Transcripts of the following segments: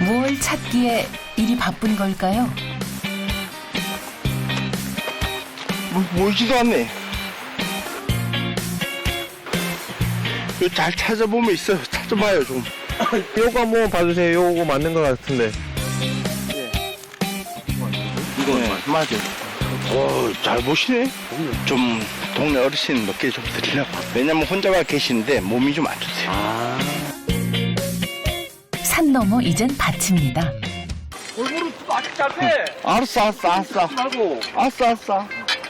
뭘 찾기에 이리 바쁜 걸까요? 멀지도 않네. 이거 잘 찾아보면 있어요. 찾아봐요 좀. 요거 한번 봐주세요. 요거 맞는 것 같은데. 이거 맞아요. 잘 보시네. 좀 동네 어르신 몇 개 좀 드리려고. 왜냐면 혼자가 계시는데 몸이 좀 안 좋대요. 산 넘어 이젠 밭입니다. 골고루 아직 잘 빼. 알았어. 말고. 알았어.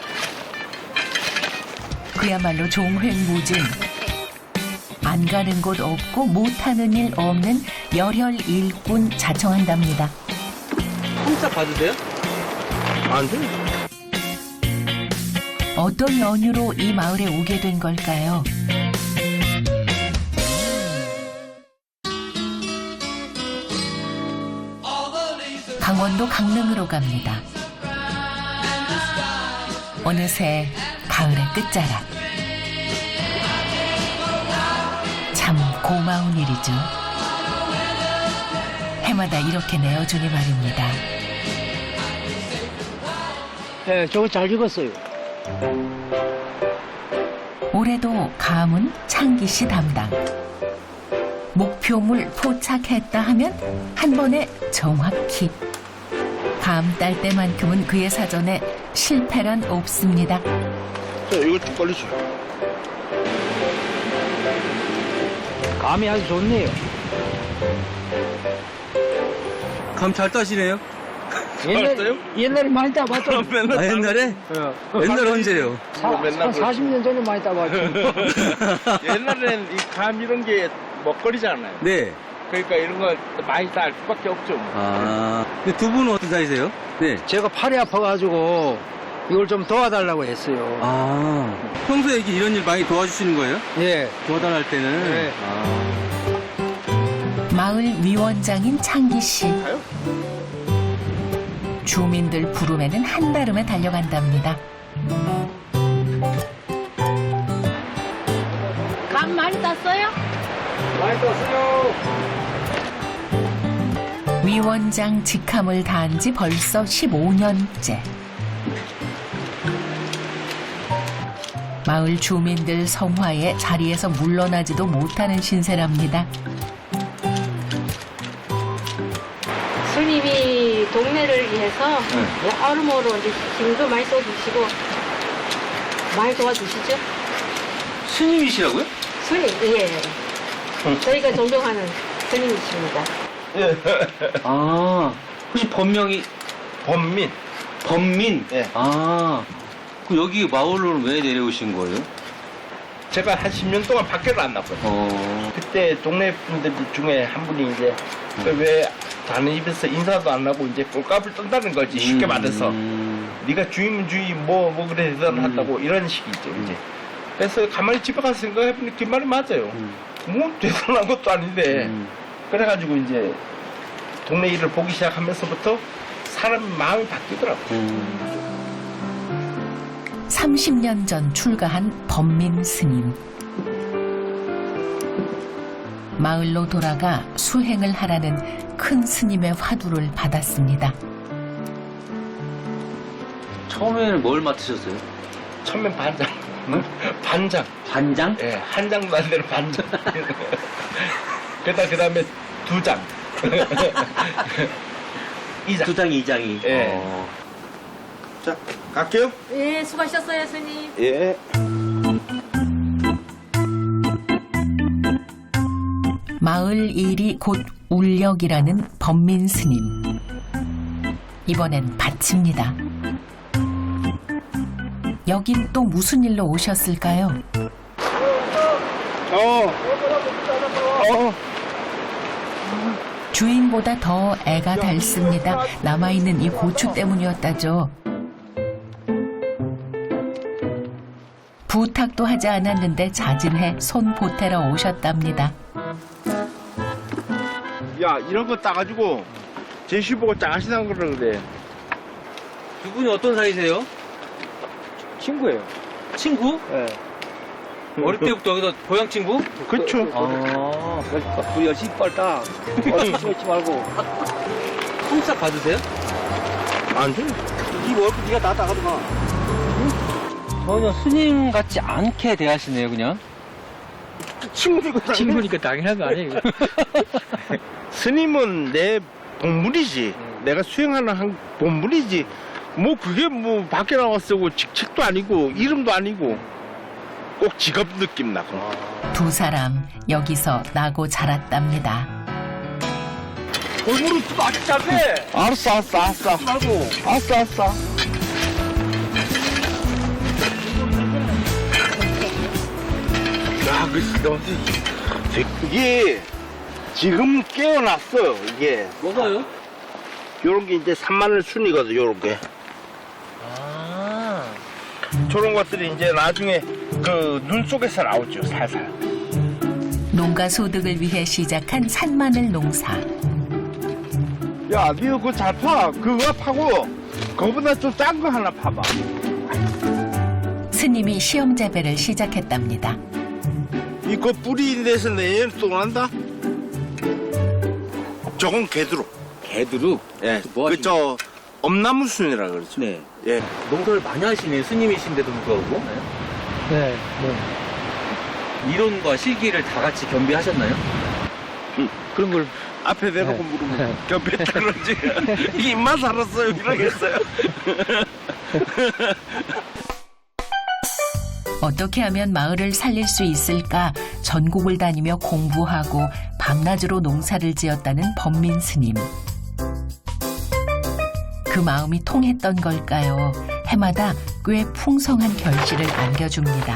그야말로 종횡무진. 안 가는 곳 없고 못하는 일 없는 열혈 일꾼 자청한답니다. 혼자 봐도 돼요? 안 돼. 어떤 연유로 이 마을에 오게 된 걸까요? 강원도 강릉으로 갑니다. 어느새 가을의 끝자락. 참 고마운 일이죠. 해마다 이렇게 내어주니 말입니다. 네, 저거 잘 익었어요. 올해도 감은 창기 씨 담당. 목표물 포착했다 하면 한 번에 정확히. 감 딸 때만큼은 그의 사전에 실패란 없습니다. 자, 이거 좀 걸리죠. 감이 아주 좋네요. 감 잘 따시네요? 옛날에 많이 따봤죠. 아, 옛날에? 옛날 언제요? 맨날 40년 전에 많이 따봤죠. 옛날엔 이 감 이런 게 먹거리잖아요. 네. 그러니까 이런 거 많이 딸 수밖에 없죠. 아. 근데 두 분은 어떤 사이세요? 네. 제가 팔이 아파가지고 이걸 좀 도와달라고 했어요. 아. 평소에 이렇게 이런 일 많이 도와주시는 거예요? 예. 도와달할 때는? 네. 아. 마을 위원장인 창기 씨. 주민들 부름에는 한달음에 달려간답니다. 감 많이 땄어요? 위원장 직함을 다한 지 벌써 15년째. 마을 주민들 성화에 자리에서 물러나지도 못하는 신세랍니다. 스님이 동네를 위해서 여러모로 이제 힘도 많이 써주시고 많이 도와주시죠? 스님이시라고요? 스님, 예. 저희가 존경하는 스님이십니다. 아. 혹시 본명이 범민. 범민? 예. 아. 그럼 여기 마을로는 왜 내려오신 거예요? 제가 한 10년 동안 밖에를 안 나갔어요. 그때 동네 분들 중에 한 분이 이제 왜 다른 집에서 인사도 안 하고 이제 꼴값을 뜬다는 거지. 쉽게 말해서. 네가 주인은 주인 뭐 그래 대단을 한다고 이런 식이죠 이제. 그래서 가만히 집에 가서 생각해보니 그 말이 맞아요. 뭐 대단한 것도 아닌데. 그래가지고 이제 동네 일을 보기 시작하면서부터 사람 마음이 바뀌더라고요. 30년 전 출가한 범민 스님. 마을로 돌아가 수행을 하라는 큰 스님의 화두를 받았습니다. 처음에는 뭘 맡으셨어요? 처음엔 반장. 반장. 반장? 예, 한 장도 안 되는 반장. 그 다음에 2장. 2장. 두 장이 2장이. 예. 자, 갈게요. 예, 수고하셨어요, 스님. 예. 마을 일이 곧 울력이라는 범민 스님. 이번엔 밭입니다. 여긴 또 무슨 일로 오셨을까요? 주인보다 더 애가 닳습니다. 남아있는 이 고추 때문이었다죠. 부탁도 하지 않았는데 자진해 손 보태러 오셨답니다. 야, 이런 거 따가지고 제시 보고 짱하시다는 거라 그래. 두 분이 어떤 사이세요? 친구예요. 친구? 예. 어릴 때부터 여기서 고향 친구? 그쵸. 아. 우리 열심히 빨다. 어찌 말고. 꼼짝 받으세요? 안 돼. 이 월급 네가 다 나가더만. 전혀 스님 같지 않게 대하시네요, 그냥. 친구니까 친구니까 당연한 거 아니에요? 스님은 내 본분이지. 내가 수행하는 한 본분이지. 뭐 그게 뭐 밖에 나왔고 직책도 아니고 이름도 아니고 꼭 직업 느낌 나고. 두 사람 여기서 나고 자랐답니다. 골고루 또 아직 짧대. 알았어. 말고. 알았어. 야, 이게 지금 깨어났어. 이게 뭐가요? 요런 게 이제 산마늘 순이거든. 요런 게. 아. 저런 것들이 이제 나중에 그 눈 속에서 나오죠. 살살. 농가 소득을 위해 시작한 산마늘 농사. 야, 니 그거 잘 파. 그거 파고 그거보다 좀 싼 거 하나 파봐. 스님이 시험 재배를 시작했답니다. 이거 뿌리 내서 내년 또 난다? 저건 개두루. 개두루? 예. 뭐 하시는 그저 엄나무 순이라 그러죠. 네. 예. 농사를 많이 하시네요, 스님이신데도 불구하고. 네, 이론과 실기를 다 같이 겸비하셨나요? 그런 걸 앞에 대놓고 물으면 겹했다 그러지. 입만 살았어요. 이러겠어요. 어떻게 하면 마을을 살릴 수 있을까 전국을 다니며 공부하고 밤낮으로 농사를 지었다는 범민 스님. 그 마음이 통했던 걸까요? 해마다 꽤 풍성한 결실을 안겨줍니다.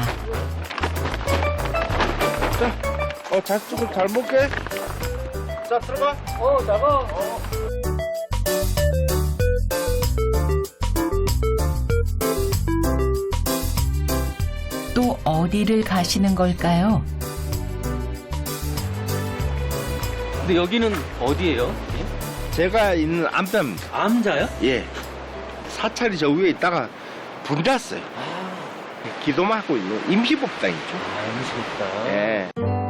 자식을 잘 먹게. 자, 들어가. 나가. 또 어디를 가시는 걸까요? 근데 여기는 어디예요? 제가 있는 암담. 암자요? 예. 사찰이 저 위에 있다가 불이 났어요. 기도만 하고 있는 임시법당이죠. 무섭다. 예.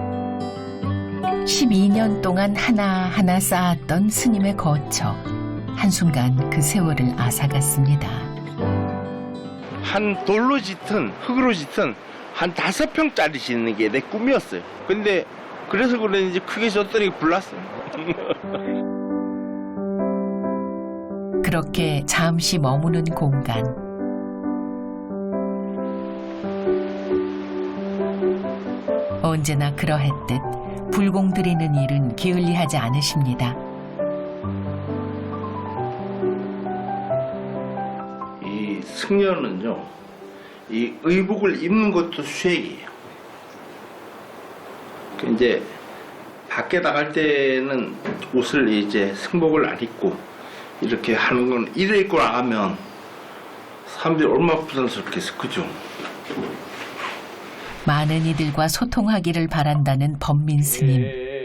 12년 동안 하나하나 쌓았던 스님의 거처. 한순간 그 세월을 앗아갔습니다. 한 돌로 짙은 흙으로 짙은 한 5평짜리 짓는 게 내 꿈이었어요. 근데 그래서 그런지 크게 졌더니 불났어요. 그렇게 잠시 머무는 공간. 언제나 그러했듯 불공 들이는 일은 게을리하지 않으십니다. 이 승려는요, 이 의복을 입는 것도 수행이에요. 그 이제 밖에 나갈 때는 옷을 이제 승복을 안 입고 이렇게 하는 건 이래 입고 나가면 사람들이 얼마나 부담스럽겠어, 그죠? 많은 이들과 소통하기를 바란다는 범민 스님.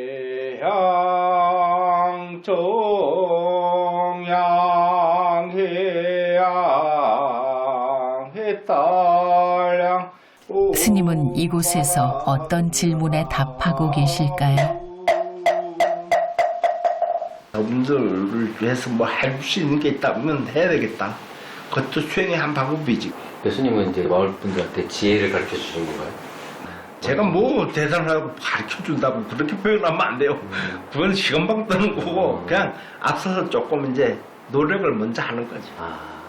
스님은 이곳에서 어떤 질문에 답하고 계실까요? 여러분들을 위해서 뭐 할 수 있는 게 있다면 해야 되겠다. 그것도 수행의 한 방법이지. 교수님은 이제 마을 분들한테 지혜를 가르쳐 주신 건가요? 제가 뭐 대단하고 가르쳐 준다고 그렇게 표현하면 안 돼요. 그건 시간방 뜨는 거고 그냥 앞서서 조금 이제 노력을 먼저 하는 거지. 아.